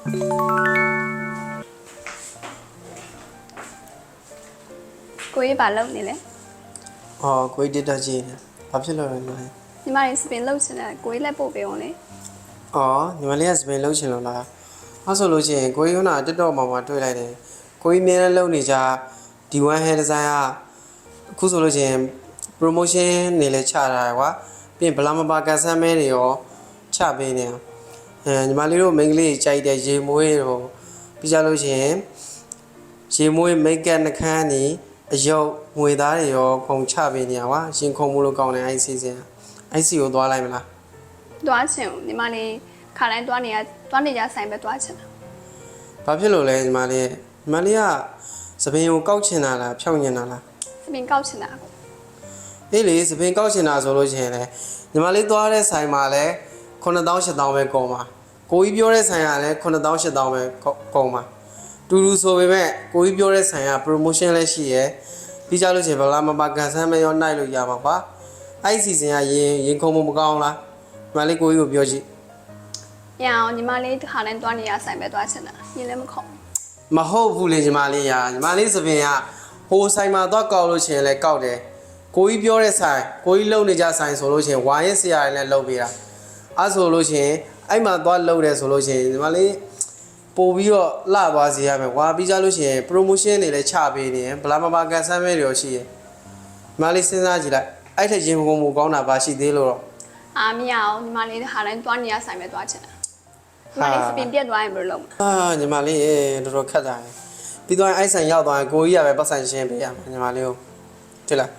ကိုကြီးဘာလုပ်နေလဲကိုကြီးတက်ကြည့်နေဘာဖြစ်လို့လဲညီမလေးညီမလေးစပင်လုပ်ချင်တယ်ကိုကြီးလက်ပို့ပေးအောင်လေညီမလေးကစပင်လုပ်ချင်လို့လားအဲ့ဆိုလို့ရှိရင်ကိုကြီးကတက်တော့မှာတွေ့လိုက်တယ်ကိုကြီးအများနဲ့လုပ်နေကြD1 hair design ကအခုဆိုလို့ရှိရင် promotion နေလဲချတာကွာပြီးရင်ဘလာမပါကန်ဆန်းမဲတွေရောချပေးနေညီမလေးတို့မိန်းကလေးကြိုက်တဲ့ရေမွေးရောပြီးကြလို့ရှိရင်ရေမွေး make up နှခမ်းနေအယုတ်ငွေသားတွေရောခုံချပေးနေကွာရှင်ခုံမှုလို့ကောင်းတယ်အဲ့စီစဉ်အဲ့စီကိုသွားလိုက်မလားသွားချင်ဦးညီမလေးခါတိုင်းသွားနေကြဆိုင်ပဲသွားချင်တာဘာဖြစ်လို့လဲညီမလေးကစပင်ကိုကောက်ချင်တာလားဖြောင်းချင်တာလားစပင်ကောက်ချင်တာကိုအေးလေစပင်ကောက်ချင်တာဆိုလို့ရှိရင်လေညီမလေးသွားတဲ့ဆိုင်မှာလဲ9000 8000ပဲကုန်ပါကိုကြီးပြောတဲ့ဆိုင်ကလည်း9000 8000ပဲကုန်ပါတူတူဆိုပေမဲ့ကိုကြီးပြောတဲ့ဆိုင်က promotion လည်းရှိရယ်ပြီးကြလို့ရှိရင်ဘလာမပါကန်ဆန်းမရောနိုင်လို့ရပါပါအဲ့ဒီစီစဉ်ကရင်ခုံမှုမကောင်းလားညီမလေးကိုကြီးကိုပြောကြည့်ရအောင်ညီမလေးခါတိုင်းသွားနေကြဆိုင်ပဲသွားချင်တာရင်လည်းမခေါ်မဟုတ်ဘူးလေညီမလေးညီမလေးစပင်ကဟိုဆိုင်မှာသွားကောက်လို့ရှိရင်လည်းကောက်တယ်ကိုကြီးပြောတဲ့ဆိုင်ကိုကြီးလုံနေကြဆိုင်ဆိုလို့ရှိရင်ဝါရင်ဆရာတွေလည်းလုံပေးတာအဲ့ဆိုလို့ရှိရင်အဲ့မှာသွားလုံတယ်ဆိုလို့ရှိရင်ညီမလေးပို့ပြီးတော့လှသွားစေရမယ်ဝါပြီးကြလို့ရှိရင် promotion တွေလည်းချပေးနေရင်ဘလာမပါကန်ဆန်းမဲတွေရောရှိရယ်ညီမလေးစဉ်းစားကြည့်လိုက်အဲ့ထက်ရင်ကုန်မှုကောင်းတာပါရှိသေးလို့တော့မရအောင်ညီမလေးခါတိုင်းသွားနေကြဆိုင်ပဲသွားချင်တာညီမလေးစပင်ပြက်သွားရင်ဘယ်လိုလုပ်မလဲညီမလေးတော်တော်ခက်တာပြီးတော့အဲ့ဆိုင်ရောက်သွားရင်ကိုကြီးကပဲပတ်ဆိုင်ရှင်းပေးရမှာညီမလေးကိုတွေ့လား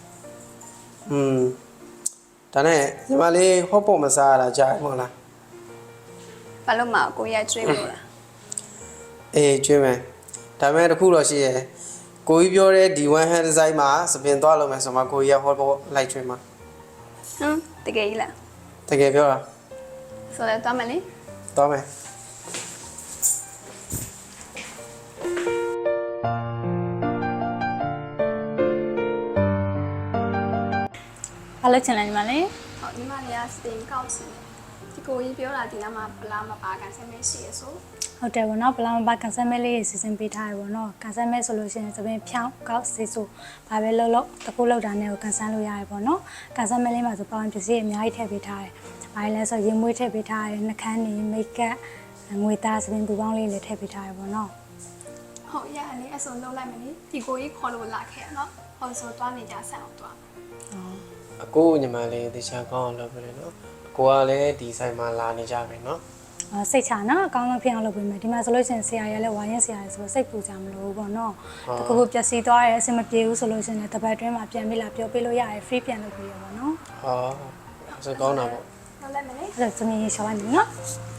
ဒါနဲ့ညီမလေးဟော့ပေါ့မစားရတာကြားမဟုတ်လားဘာလို့မကိုကြီးကျွေးမလို့လားကျွေးမယ်ဒါပေမဲ့တခုတော့ရှိရယ်ကိုကြီးပြောတဲ့ D1 hair design မှာစပင်သွားလို့မယ်ဆိုမှကိုကြီးကဟော့ပေါ့လိုက်ကျွေးမှာတကယ်ကြီးလားတကယ်ပြောတာဆိုတော့သွားမယ်လေသွားမယ်ဘာလို့ချင်လဲညီမလေးဟုတ်ညီမလေးကစပင်ကောက်ချင်တယ်ဒီကိုကြီးပြောတာဒီနားမှာဘလာမပါကန်ဆက်မရှိရဆိုဟုတ်တယ်ဗောနော်ဘလာမပါကန်ဆယ်မဲလေးစီစဉ်ပေးထားရဗောနော်ကန်ဆယ်မဲဆိုလို့ရှိရင်သပင်ဖြောင်းကောက်စီဆိုဘာပဲလုပ်တကူလောက်တာနဲ့ကိုကန်ဆယ်လို့ရတယ်ဗောနော်ကန်ဆယ်မဲလေးမှာဆိုပေါင်းပစ္စည်းအများကြီးထည့်ပေးထားတယ်ဘာလဲဆိုရင်မွေးထည့်ပေးထားတယ်နှခမ်းနေမိတ်ကပ်ငွေသားသပင်ပူပေါင်းလေးလည်းထည့်ပေးထားရဗောနော်ဟုတ်ရလေအစုံလုံးလိုက်မယ်လေဒီကိုကြီးခေါ်လို့လာခဲ့ရနော်ဟောဆိုသွားနေကြဆန်အောင်သွားအကိုညီမလေးတခြားကောင်းအောင်လုပ်ပြတယ်နော်အကိုကလည်းဒီဆိုင်မှာလာနေကြပြီနော်စိတ်ချနော်အကောင်းဆုံးဖြစ်အောင်လုပ်ပေးမယ်ဒီမှာဆိုလို့ရှိရင်ဆရာရလည်းဝါရင်ဆရာရဆိုတော့စိတ်ပူကြမလို့ပေါ့နော်တကူပျက်စီးသွားရဲအဆင်မပြေဘူးဆိုလို့ရှိရင်တပတ်တွင်းမှာပြန်ပြီးလာပြောပေးလို့ရတယ် free ပြန်လုပ်ပေးရပါတော့နော်ဆိုကောင်းတာပေါ့လုံးလိုက်မယ်လေအဲ့ဒါသမီးရှောင်းလိုက်မယ်နော်ဟ